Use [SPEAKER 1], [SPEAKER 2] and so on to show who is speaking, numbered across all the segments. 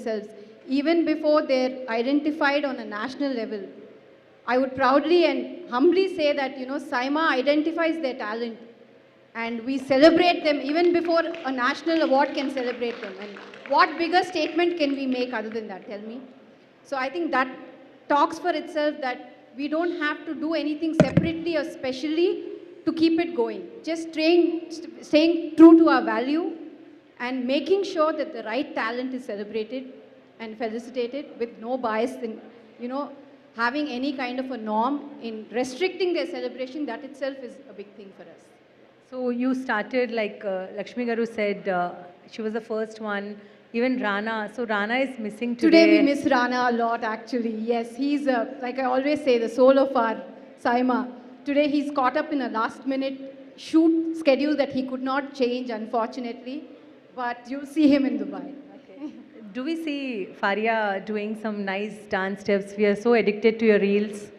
[SPEAKER 1] themselves, even before they're identified on a national level. I would proudly and humbly say that, SIMA identifies their talent and we celebrate them even before a national award can celebrate them. And what bigger statement can we make other than that? Tell me. So I think that talks for itself that we don't have to do anything separately or specially to keep it going. Just staying true to our value and making sure that the right talent is celebrated and felicitated with no bias in, having any kind of a norm in restricting their celebration. That itself is a big thing for us.
[SPEAKER 2] So you started, like Lakshmi Garu said, she was the first one. Even Rana. So Rana is missing today.
[SPEAKER 1] Today we miss Rana a lot, actually. Yes, he's, like I always say, the soul of our SIMA. Today he's caught up in a last-minute shoot schedule that he could not change, unfortunately. But you'll see him in Dubai.
[SPEAKER 2] Okay. Do we see Faria doing some nice dance steps? We are so addicted to your reels.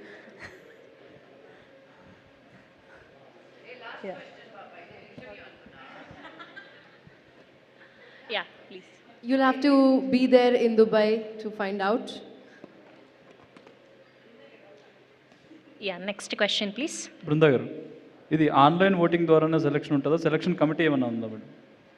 [SPEAKER 2] Yeah.
[SPEAKER 3] Yeah, please.
[SPEAKER 4] You'll have to be there in Dubai to find out.
[SPEAKER 3] Yeah, next question, please.
[SPEAKER 5] Brinda garu, ఇది online voting ద్వారానే selection ఉంటుందా? Selection committee ఏమైనా ఉందా madam?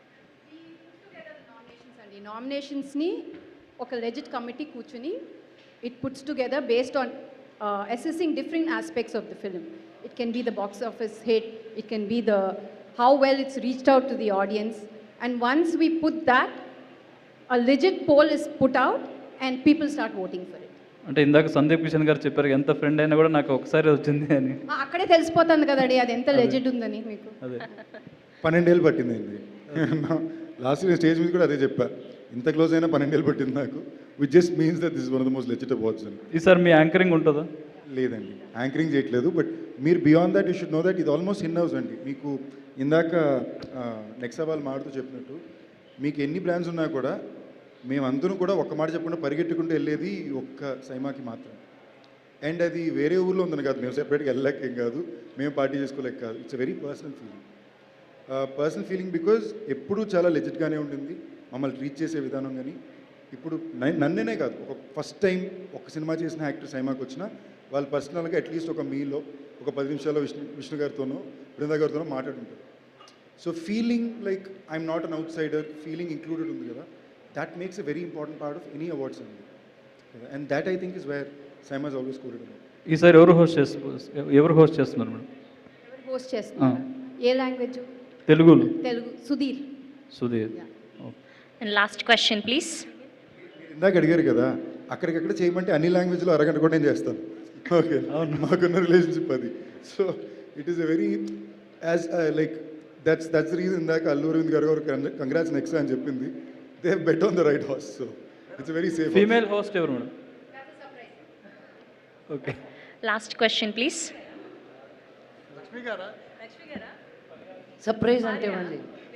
[SPEAKER 1] Nominations ni oka legit committee కూర్చుని it puts together based on assessing different aspects of the film. It can be the box office hit, it can be the how well it's reached out to the audience, and once we put that, a legit poll is put out and people start voting for it.
[SPEAKER 5] అంటే ఇందాక సందీప్ కిషన్ గారు చెప్పారు ఎంత friend అయినా కూడా నాకు ఒకసారి వచ్చింది అని.
[SPEAKER 1] అక్కడే తెలిసిపోతుంది కదండి అది ఎంత లెజిట్ ఉందని మీకు.
[SPEAKER 5] అదే
[SPEAKER 6] 12 ఏళ్ళు పట్టిందండి. లాస్ట్ ఇయర్ స్టేజ్ మీద కూడా అదే చెప్పా, ఇంత క్లోజ్ అయినా 12 ఏళ్ళు పట్టింది నాకు. Which just means that this is one of the most legit awards అని.
[SPEAKER 5] ఈసారి మీ యాంకరింగ్ ఉంటుందా?
[SPEAKER 6] లేదండి, యాంకరింగ్ చేయట్లేదు. బట్ మీరు beyond that you should know that ఇది ఆల్మోస్ట్ ఇన్ హౌస్ అండి. మీకు ఇందాక నెక్స్ట్ వాళ్ళు మాడుతూ చెప్పినట్టు మీకు ఎన్ని బ్రాండ్స్ ఉన్నా కూడా మేమందరం కూడా ఒక్క మాట చెప్పకుండా పరిగెట్టుకుంటూ వెళ్ళేది ఒక్క సైమాకి మాత్రం. అండ్ అది వేరే ఊళ్ళో ఉందని కాదు, మేము సెపరేట్గా వెళ్ళలేకేం కాదు, మేము పార్టీ చేసుకోలేక కాదు. It's a very personal feeling because ఎప్పుడూ చాలా లెజిట్గానే ఉండింది మమ్మల్ని ట్రీట్ చేసే విధానం. కానీ ఇప్పుడు నన్నేనే కాదు, ఒక ఫస్ట్ టైం ఒక సినిమా చేసిన యాక్టర్ సైమాకి వచ్చినా వాళ్ళు పర్సనల్గా అట్లీస్ట్ ఒక మీలో ఒక 10 నిమిషాల్లో విష్ణు గారితోనో బృందా గారితోనో మాట్లాడుంటారు. So feeling like I'm not an outsider, feeling included ఉంది కదా, that makes a very important part of any awards ceremony. And that I think is where SIMA is always quoted about.
[SPEAKER 5] ఈసారి ఎవరు host చేస్తున్నారు madam?
[SPEAKER 1] ఎవరు host చేస్తున్నారు? ఏ language?
[SPEAKER 5] తెలుగులో.
[SPEAKER 1] Telugu. Sudheer.
[SPEAKER 3] And last question, please.
[SPEAKER 6] ఇందాక అడిగారు కదా, అక్కడికక్కడ చేయమంటే అన్ని లాంగ్వేజ్లో అరగంట కూడా నేను చేస్తాను. ఓకే, మాకున్న రిలేషన్షిప్ అది. So it is a very as like that's the reason ఇందాక అల్లు అరవింద్ గారు కంగ్రాట్స్ నెక్స్ట్ అని చెప్పింది. They have bet on the right horse, so it's a very safe.
[SPEAKER 5] Female host ever madam?
[SPEAKER 1] That's a surprise.
[SPEAKER 5] Okay.
[SPEAKER 3] Last question, please.
[SPEAKER 7] Surprise ante mali.